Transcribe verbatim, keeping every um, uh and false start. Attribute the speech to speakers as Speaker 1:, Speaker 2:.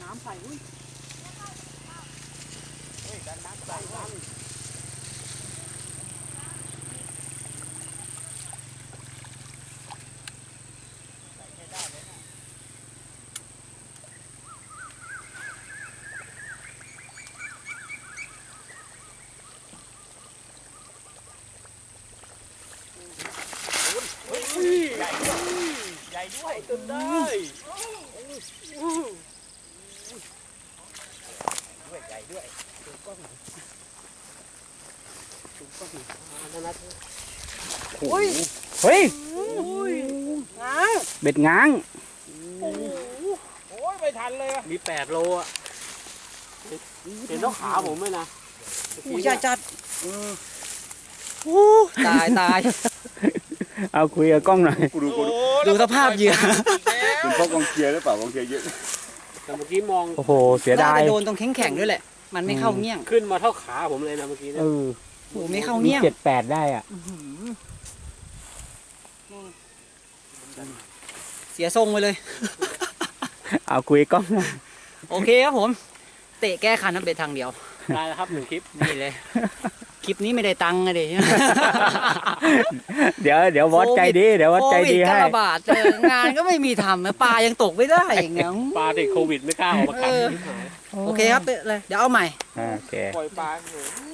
Speaker 1: น้ำใส่อุ้ยเฮ้ยดันน้ำใส่ดันใส่ไม่ได้เลยนะใหญ่ด้วยใหญ่ด้วยจนได้ด้วยใหญ่ด้วยดูกล้องดูกล้องนั่นนะโอ้ยเฮ้ยง้างเบ็ดง้างโอ้ยไม่ทันเลยอ่ะมีแปดโลอ่ะเห็นต้องขาผมไหมนะโอ้ยใหญ่จัดตายตายเอาคุยกับกล้องหน่อย
Speaker 2: กูดูกูดู
Speaker 1: ดูสภาพเหยื่อ
Speaker 2: เป็นเพราะกองเชียร์หรือเปล่ากองเชียร์เยอะ
Speaker 3: แต่เมื่อกี้มอง
Speaker 1: โอ้โหเสียดาย
Speaker 4: โดนตรงแข็งแข็งด้วยแหละมันไม่เข้าเงี้ยง
Speaker 3: ขึ้นมาเท่าขาผมเลยนะเมื่อกี้
Speaker 1: เออ
Speaker 4: โอ้ไม่เข้าเงี้ยง
Speaker 1: เจ็ดแปดได้อ่ะ
Speaker 4: เสียทรงไปเลย
Speaker 1: เอาคุยกล้องหน่อย
Speaker 4: โอเคครับผมเตะแก้คันน้ำเบ็ดทางเดียว
Speaker 3: ได้แล้วครับหนึ่งคลิป
Speaker 4: นี่เลยคลิปนี้ไม่ได้ตังค์เลย
Speaker 1: เดี๋ยวเดี๋ยววัดใจดีเดี๋ยววัดใจดีให้
Speaker 4: โควิดระบาดงานก็ไม่มีทำปลายังตกไม่ได้อย่างเงี้ย
Speaker 3: ปลาติดโควิดไม่กล้าออกมากัด
Speaker 4: โอเคครับเลยเดี๋ยวเอาใหม่
Speaker 1: โอเค
Speaker 2: ปล่อยปลาเลย